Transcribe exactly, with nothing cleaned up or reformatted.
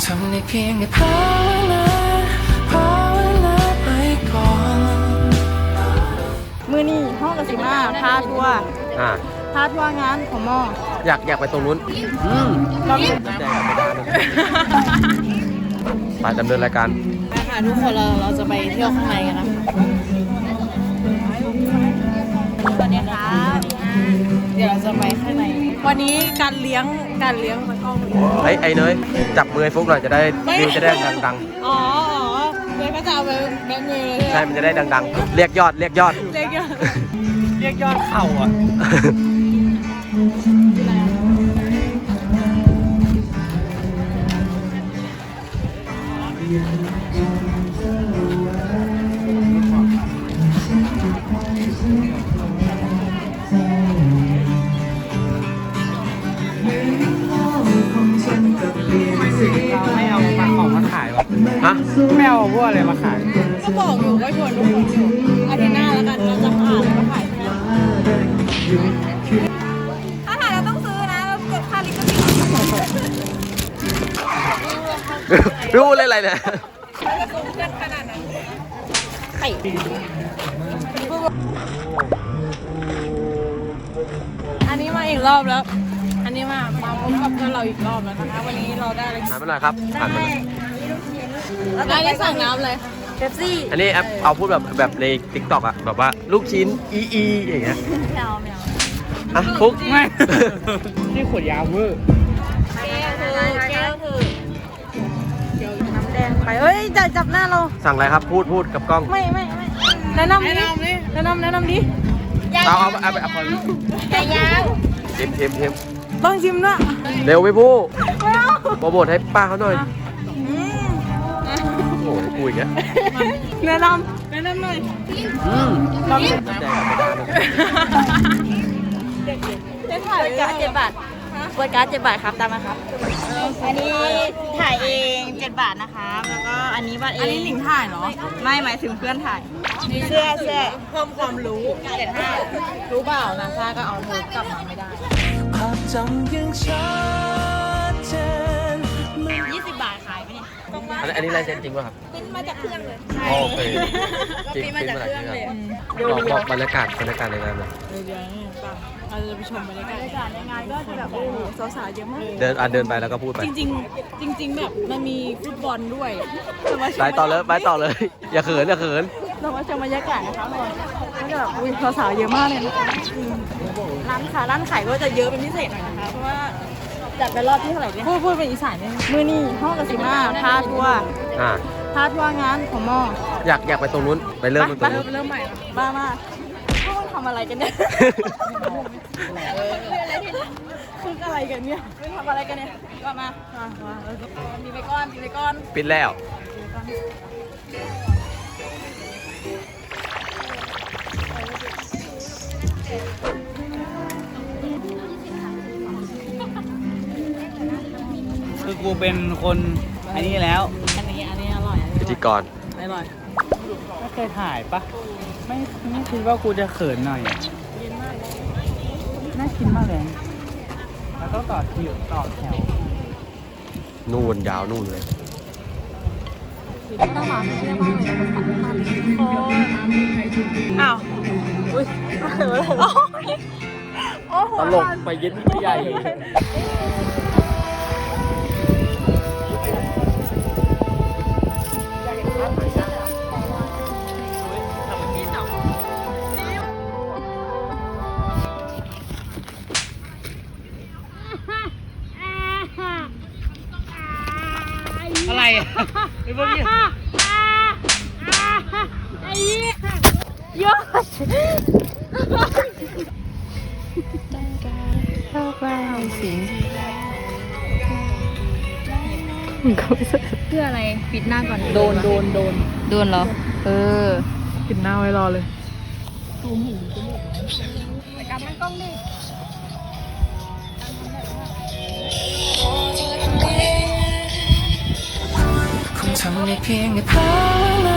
ทำได้เพียงแค่ภาวนาภาวนาไปก่อนมือนี่ห้องกสิมาพาทัวร์อ่าพาทัวร์งานของมออยากอยากไปตรงนู้นอืมลองดูไปดำเนินรายการไปค่ะทุกคนเราเราจะไปเที่ยวข้างในกันนะสวัสดีค่ะเดี๋ยวเราจะไปข้างในวันนี้การเลี้ยงการเลี้ยงมันกล้องไอ้ไอ้เนยจับมือไอ้ฟุกหน่อยจะได้วิวจะได้ดังๆอ๋ออ๋อเลยก็จะเอาไปแบมือใช่มันจะได้ดังๆเรียกยอดเรียกยอดเรียกยอดเรียกยอดเข่าอ่ะไม่เอามาของมาขายวะฮะไม่เอาพวกอะไรมาขายก็บอกอยู่ว่าชวนทุกคนอยู่อาทิตย์หน้าแล้วกันเราจะผ่านแล้วก็ถ่ายถ้าถ่ายเราต้องซื้อนะเราเก็บค่าลิขสิทธิ์รู้เลยอะไรเนี่ยอันนี้มาอีกรอบแล้ว อันนี้มามาพบกับเพื่อนเราอีกรอบแล้วนะคะวันนี้เราได้อะไรหันมาหน่อยครับหันมาหน่อยแล้วอันนี้สั่งน้ำเลยเป๊ปซี่อันนี้แอปเอาพูดแบบแบบในติ๊กต็อกอะแบบว่าลูกชิ้นอีอีอย่างเงี้ยแมวแมวอ่ะฟุกไม่นี่ขวดยาวเวอร์แก้วคือแก้วคือเดี๋ยวน้ำแดงไปเฮ้ยจะจับหน้าเราสั่งอะไรครับพูดพูดกับกล้องไม่ไม่ไม่แนะนำดิแนะนำแนะนำดิเอาเอาเอาเอาเอาใหญ่ยาวเค็มเค็มเค็มต้องชิมด้วยเร็วไปพูดโปรโมทให้ป้าเขาหน่อยโอ้ยคุยกันแนะนำแนะนำหน่อยอืมลองดูเจ๊ถ่ายการ์ดเจ็ดบาทเปิดการ์ดเจ็ดบาทครับตามมาครับอันนี้ถ่ายเองเจ็ดบาทนะคะแล้วก็อันนี้บัตรเองอันนี้หลิงถ่ายเหรอไม่หมายถึงเพื่อนถ่ายเสื้อเสื้อเพิ่มความรู้เจ็ดห้ารู้เปล่านะซ่าก็เอาโน้ตกลับมาไม่ได้ภาพจำยังชัดเจนยี่สิบบาทขายไปเนี่ยอันนี้อันนี้ลายเซ็นจริงป่ะครับปิ้นมาจากเครื่องเลยโอเคจริงปิ้นมาจากเครื่องเลยบอกบอกบรรยากาศบรรยากาศในงานเลยเดี๋ยวนี่ป่ะเราจะไปชมบรรยากาศบรรยากาศในงานก็จะแบบโอ้สาวๆเยอะมากเดินอ่ะเดินไปแล้วก็พูดไปจริงๆจริงๆแบบมันมีฟุตบอลด้วยไปต่อเลยไปต่อเลยอย่าเขินอย่าเขินเรามาชมบรรยากาศนะคะก็จะแบบอุ้ยสาวๆเยอะมากเลยนะคะร้านค้าร้านขายก็จะเยอะเป็นพิเศษหน่อยนะคะเพราะว่าจัดไปรอบที่เท่าไหร่เนี่ยพูดพูดเป็นอีสานเนี่ยมือนี่ห้องกสิมาพาทัวร์อ่าพาทัวร์งานของมออยากอยากไปตรงนู้นไปเริ่มตรงนู้นเริ่มใหม่บ้ามากพวกมันทำอะไรกันเนี่ยคืออะไรกันเนี่ยทำอะไรกันเนี่ยก็มามีไปก้อนมีไปก้อนปิดแล้วคือกูเป็นคนอันนี้แล้วอันนี้อันนี้อร่อยพิธีกรอร่อยไม่เคยถ่ายปะไม่ไม่คิดว่ากูจะเขินหน่อยน่ากินมากเลยแล้วต้องต่อคิวต่อแถวนู่นยาวนู่นเลยอ้าวอุ้ยตลกไปเย็นไปใหญ่อะไรอ่ะไอ้พวกนี้ไอ้ยอดเข้าไปสิเพื่ออะไรปิดหน้าก่อนโดนโดนโดนโดนเหรอเออปิดหน้าไว้รอเลยแต่การตั้งกล้องดิคงทำได้เพียงแค่ภาวนา